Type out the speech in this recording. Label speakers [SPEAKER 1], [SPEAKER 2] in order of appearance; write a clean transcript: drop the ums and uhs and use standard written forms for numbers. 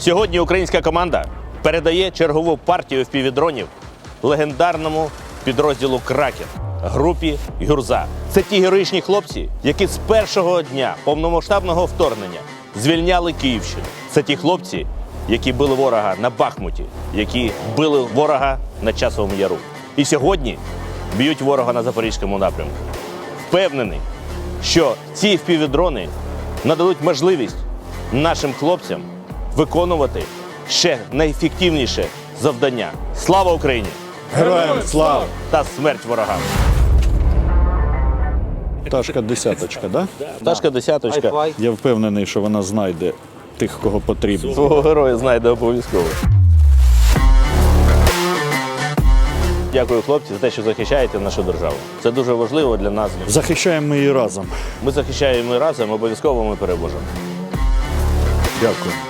[SPEAKER 1] Сьогодні українська команда передає чергову партію впівдронів легендарному підрозділу «Кракен» групі «Гюрза». Це ті героїчні хлопці, які з першого дня повномасштабного вторгнення звільняли Київщину. Це ті хлопці, які били ворога на Бахмуті, які били ворога на Часовому Яру. І сьогодні б'ють ворога на Запорізькому напрямку. Впевнений, що ці впівдрони нададуть можливість нашим хлопцям виконувати ще найефективніше завдання. Слава Україні!
[SPEAKER 2] Героям слава!
[SPEAKER 1] Та смерть ворогам!
[SPEAKER 2] Пташка десяточка, да?
[SPEAKER 1] Пташка десяточка.
[SPEAKER 2] Я впевнений, що вона знайде тих, кого потрібно.
[SPEAKER 1] Свого героя знайде обов'язково. Дякую, хлопці, за те, що захищаєте нашу державу. Це дуже важливо для нас.
[SPEAKER 2] Захищаємо ми її разом.
[SPEAKER 1] Ми захищаємо разом, обов'язково ми переможемо.
[SPEAKER 2] Дякую.